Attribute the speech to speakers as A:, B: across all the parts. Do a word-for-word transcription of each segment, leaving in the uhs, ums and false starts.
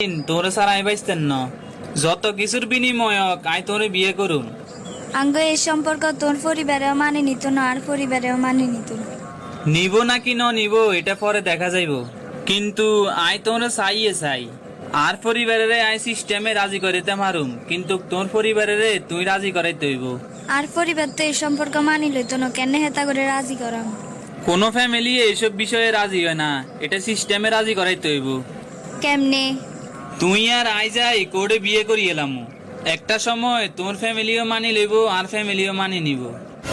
A: তোরে সারা আই বাইস্তেন না যত কিছুর বিনিময়ক আই তোরে বিয়ে করুম।
B: আঙ্গ এই সম্পর্ক তোর পরিবারেও মানে নিত না আর পরিবারেও মানে নিত না।
A: নিব নাকি ন নিব এটা পরে দেখা যাইব, কিন্তু আই তোরে চাইয়ে চাই। আর পরিবারের আই সিস্টেমে রাজি করিতে মারুম, কিন্তু তোর পরিবারের তুই রাজি করাইতে হইব।
B: আর পরিবার তো এই সম্পর্ক মানি লইতো না, কেন হেতা করে রাজি করাম?
A: কোনো ফ্যামিলি এইসব বিষয়ে রাজি হয় না, এটা সিস্টেমে রাজি করাইতে হইব।
B: কেমনে?
A: তুই আর আই যাই কোর্টে বিয়ে করি এলাম, একটা সময় তোর ফ্যামিলিও মানি লইব আর ফ্যামিলিও মানি নিব।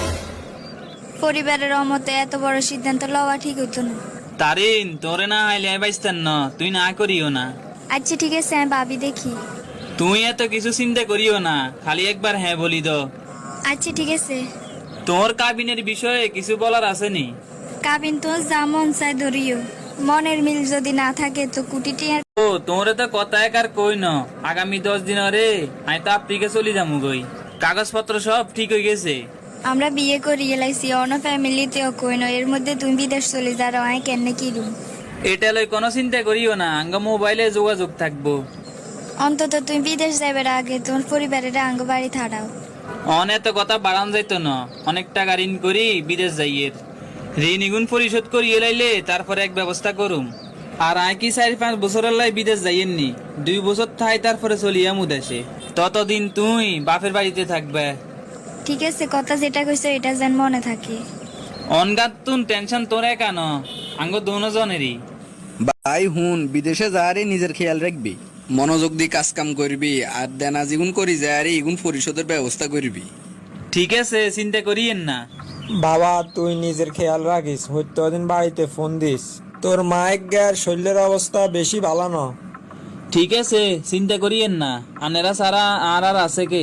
B: পরিবারের অমতে এত বড় সিদ্ধান্ত লওয়া ঠিক হইতো না।
A: তারিন তোরে না আইলে আই বাইস্তান না, তুই না করিও না।
B: আচ্ছা ঠিক আছে, আমি ভাবি দেখি।
A: তুই এত কিছু চিন্তা করিও না, খালি একবার হ্যাঁ বলি দ।
B: আচ্ছা ঠিক আছে।
A: তোর কাবিনের বিষয়ে কিছু বলার আছে নি?
B: কাবিন তো যা মন চাই ধরিও, মনের মিল যদি না থাকে তো কুটিটি আর।
A: ও তোরে তো কথা এক আর কই ন, আগামী দশ দিন রে আমি তো আফ্রিকা চলে যাবো গই, কাগজপত্র সব ঠিক হয়ে গেছে।
B: আমরা বিয়ে করি এলাইছি, অন্য ফ্যামিলিতেও কই না, এর মধ্যে তুমি বিদেশ চলে যাও, আয় কেন কি রুম।
A: এটা লই কোনো চিন্তা করিও না, আঙ্গ মোবাইলে যোগাযোগ থাকবো।
B: অন্তত তুমি বিদেশ যাবার আগে তোমার পরিবারের আঙ্গ বাড়ি থাড়াও।
A: অনেক কথা বাড়ান যাইতো না, অনেক টাকা ঋণ করি বিদেশ যাইয়ের, ঋণ ইগুন পরিশোধ করি এলাইলে তারপরে এক ব্যবস্থা করুম। আর আই কি চার পাঁচ বছরের লাই বিদেশ যাইয়েননি, দুই বছর থাই তারপরে চলিয়ামু দেশে, ততদিন তুই বাপের বাড়িতে থাকবে।
B: ঠিক আছে, কথা যেটা কইছো এটা যেন মনে থাকে।
A: অনগাত তুন টেনশন তোরে কেন, আঙ্গ দুজনেরই।
C: ভাই হুন, বিদেশে যারে নিজের খেয়াল রাখবি, মনোযোগ দিয়ে কাজ কাম করবি, আর দেনা যেগুন করি যারে এগুন পরিশোধের ব্যবস্থা করবি।
A: ঠিক আছে, চিন্তা করিয়েন না।
D: বাবা তুই নিজের খেয়াল রাখিস, হত্যদিন বাড়িতে ফোন দিস। তোর মায়ের গায়ের শরীরের অবস্থা বেশি ভালো না।
A: ঠিক আছে, চিন্তা করিয়েন না, আনেরা সারা আর আর আছে কে।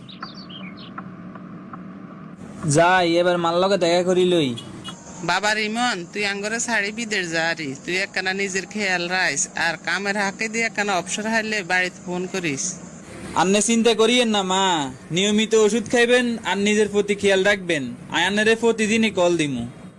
A: যাই এবার মাল লগে দেখা করি লই।
E: বাবা রিমন, তুই আঙ্গরে শাড়ি বিদেশ যারি, তুই একখানা নিজের খেয়াল রাইস, আর কামের হাঁকে দিয়ে একখানা অবসর হাইলে বাড়িতে ফোন করিস।
A: আন্নে চিন্তা করিয়েন না মা, নিয়মিত ওষুধ খাইবেন আর নিজের প্রতি খেয়াল রাখবেন। আয়ানের প্রতিদিনই কল দিমু।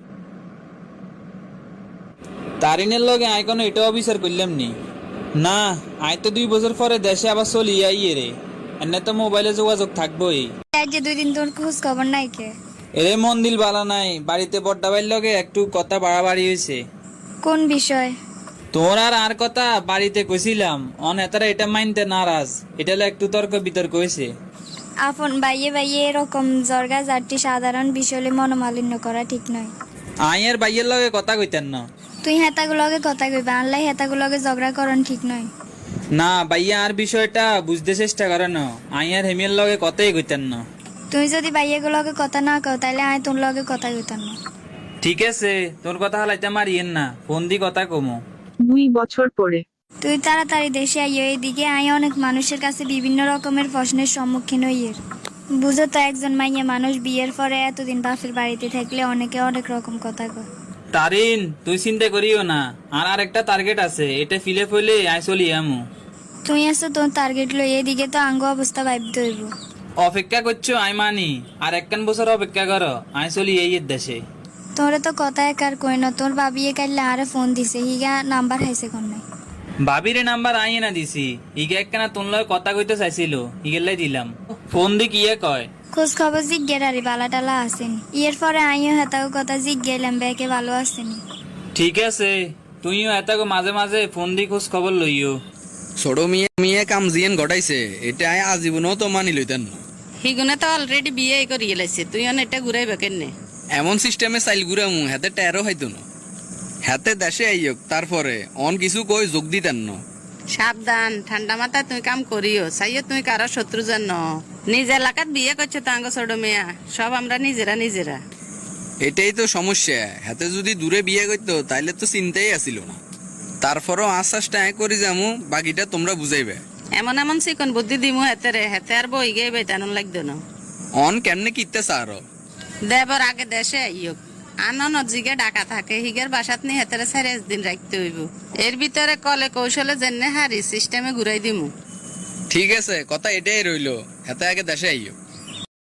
A: তারিনের লগে আই কোনো এটা অবিচার করলাম নি না, আই তো দুই বছর পরে দেশে আবার চলি আইয়ে রে, এনে তো মোবাইলে যোগাযোগ থাকবোই।
B: আজ যে দুই দিন তোর খোঁজ খবর নাই কে?
A: এরে মন দিল বালা নাই, বাড়িতে বড্ডা বাইর লগে একটু কথা বাড়াবাড়ি হয়েছে।
B: কোন বিষয়?
A: তোর আর আর কথা বাড়িতে কইছিলাম, অন এতারা এটা মানতে নারাজ, এটা একটু তর্ক বিতর্ক হয়েছে।
B: আপন বাইয়ে বাইয়ে এরকম জর্গা জাতি সাধারণ বিষয়ে মনোমালিন্য করা ঠিক নয়।
A: আইয়ের বাইয়ের লগে কথা কইতেন না।
B: তুই হেতাগুলোকে কথা কইবা, আনলাই হেতাগুলোকে ঝগড়া করন ঠিক নয়।
A: না বাইয়া আর বিষয়টা বুঝতে চেষ্টা করে না, আইয়ার হেমিয়ার লগে কথাই কইতেন না।
B: তুই যদি বাইয়েগুলোকে কথা না কও তাহলে আয় তোর লগে কথা কইতাম না।
A: ঠিক আছে, তোর কথা হালাইতে মারিয়েন না, ফোন দি কথা কমো।
F: দুই বছর পরে
B: তুই তাড়াতাড়ি দেশে আইও, এইদিকে আয় অনেক মানুষের কাছে বিভিন্ন রকমের প্রশ্নের সম্মুখীন হইয়ের। বুঝো তো, একজন মাইয়া মানুষ বিয়ের পরে এতদিন বাপের বাড়িতে থাকলে অনেকে অনেক রকম কথা কয়।
A: তারিন তুই চিন্তা করিও না, আর আর একটা টার্গেট আছে, এটা ফিলে ফইলে আই চলি আমু।
B: তুই আসো তোর টার্গেট লই, এদিকে তো আঙ্গ অবস্থা ভাবতে হইব।
A: অপেক্ষা করছো আই মানি, আর একখান বছর অপেক্ষা করো, আই চলি এই দেশে।
B: তোরে তো কথা একার কই না, তোর বাবিয়ে কাইলে আরে ফোন দিছে, হিগা নাম্বার হাইছে কোন নাই।
A: ভাবিরে নাম্বার আই না দিছি, ইগে একখানা তোর লগে কথা কইতে চাইছিল, ইগেলাই দিলাম। ফোন দি কিয়ে কয়?
B: খোঁজ খবর জিজ্ঞের আরে বালা টালা আসেন, ইয়ের পরে আইও হেতাও কথা জিজ্ঞেলাম ব্যাকে ভালো আসেনি।
A: ঠিক আছে, তুইও এতাকে মাঝে মাঝে ফোন দি খোঁজ খবর লইও।
C: ছোট মেয়ে মেয়ে কাম জিয়েন ঘটাইছে, এটা আয় আজীবনও তো মানি লইতেন না।
E: হিগুনে তো অলরেডি বিয়ে করি এলাইছে, তুই অন এটা ঘুরাইবে কেনে?
C: এমন সিস্টেমে চাইল ঘুরামু হাতে টেরো হইতো না, হাতে দেশে আইয়ক তারপরে অন কিছু কই যোগ দিতেন না।
E: সাবধান, ঠান্ডা মাথায় তুই কাম করিও, চাইও তুই কারো শত্রু জান। নিজ এলাকাত বিয়ে করছে তো আঙ্গ ছোট মেয়া, সব আমরা নিজেরা নিজেরা।
C: এটাই তো সমস্যা, হাতে যদি দূরে বিয়ে করতো তাইলে তো চিন্তাই আসিল না। তারপরও আশ্বাসটা আয় করি যামু, বাকিটা তোমরা বুঝাইবে।
E: এমন এমন চিকন বুদ্ধি দিমু হেতে রে, হেতে আর বই গে বেতানো লাগতো না।
C: অন কেমনে কিতে সারো
E: দেবর আগে দেশে আইয়ক, আনন জিগে ডাকা থাকে, হিগের বাসাত নি হেতে সাড়ে দিন রাখতে হইব। এর ভিতরে কলে কৌশলে জেনে হারি সিস্টেমে ঘুরাই দিমু।
C: ঠিক আছে, কথা এটাই রইলো, হাতে আগে দেশে আইয়ক।